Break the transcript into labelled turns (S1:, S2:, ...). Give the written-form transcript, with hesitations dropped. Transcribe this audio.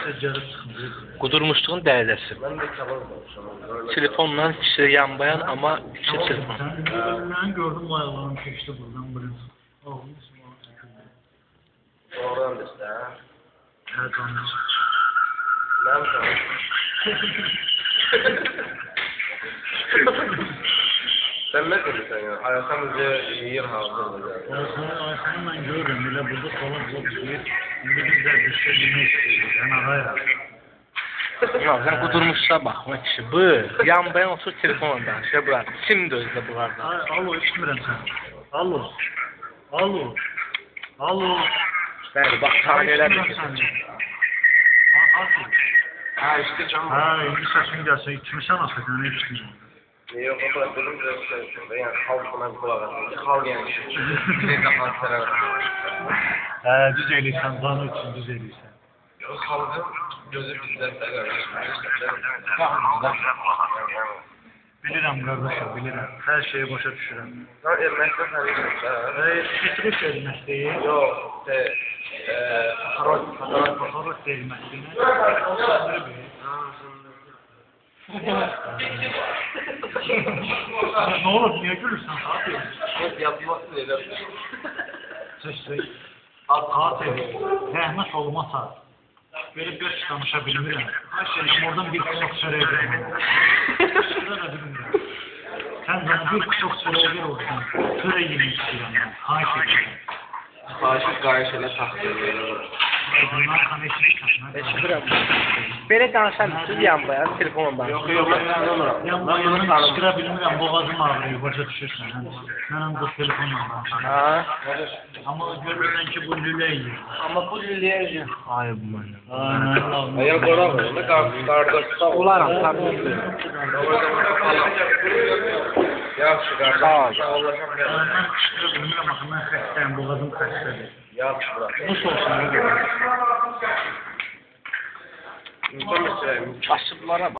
S1: Qudurmuşluğun dərəcəsi. Telefonla kişi yanbayan ama kişi telefon.
S2: Ben gördüm bu ayağlarını keçti buradan buraya. Ağlıyorsun bana tükürdü.
S3: Oradan da işte ha.
S2: Her tanrı.
S3: Ne yapalım? Sen ne diyorsun ya? Ayakamızı yiyir hazırlayacağız.
S2: Ayağını ben görürüm. Bile burada falan bulabilir. Şimdi biz de bir şey bilmek istiyoruz. Yani araya.
S1: Ya sen qudurmuşsa baxma kişi. Bu yanbayan otur telefonla danışır bura. Kimdir özdə bunlardan?
S2: Alo, içmirəm sən. Alo. Alo. Alo.
S1: Bəli, bax saniyələr də keçir.
S3: Ha işte canım.
S2: Ha, indi səsin gəlsə, içmirsən asıl, nə içmirsən?
S3: Yok, o kadar dedim biraz şey. Yani halkına kulak atın. Halk yani. Bize de halklara
S2: Düz eləyirsən, canı üçün düz eləyirsən.
S3: Yok, halkın gözü bizden de kardeşim.
S2: Bilirəm qardaşım, bilirəm. Hər şeyi başa düşürəm.
S3: Lan elməkdə tanıyırım da.
S2: Keçiriş elməkdəyir.
S3: Yok,
S2: Fotoğraf elməkdəyir. Ne olur, niye gülürsən? Fatih?
S3: Hep yapması öyle.
S2: Seçsək. Fatih, rəhmət olmasa, böyle bir danışa bilmirəm. Şeyim oradan bir kısok söyleyebilirim. Şurada da bilmirəm. Sen bana bir kısok söyleyebilir olsun. Söyle yemek istiyorum ben. Hayır edirəm.
S3: Faşist qarşıyla taxtırıyor.
S2: Bunlar kanəşini katına.
S1: Eşidirəm. Belə danışarmısınız yanbayan telefonla danışır?
S3: Yok, yok, ben anlamıram.
S2: Yanlarını çıxıra bilmirəm, boğazım ağrıyor, başa düşürsən. Mən ancaq telefonla danışıram.
S1: Ha?
S2: Amma görürsən ki, bu lülə yiyir.
S1: Amma bu lüləyəcək. Ay bu mən.
S3: Ya qorak onu, qardaşda
S1: Olaram, tabii ki.
S3: Yaxşı, qardaş. Sağ ol.
S2: Mən çıxıra bilmirəm, axı mən xəstəyim, boğazım xəstədir.
S3: Yaxşı, bırak.
S2: Nuş olsun, ne demek?
S3: İnsan mesela
S1: Kasıblara bax.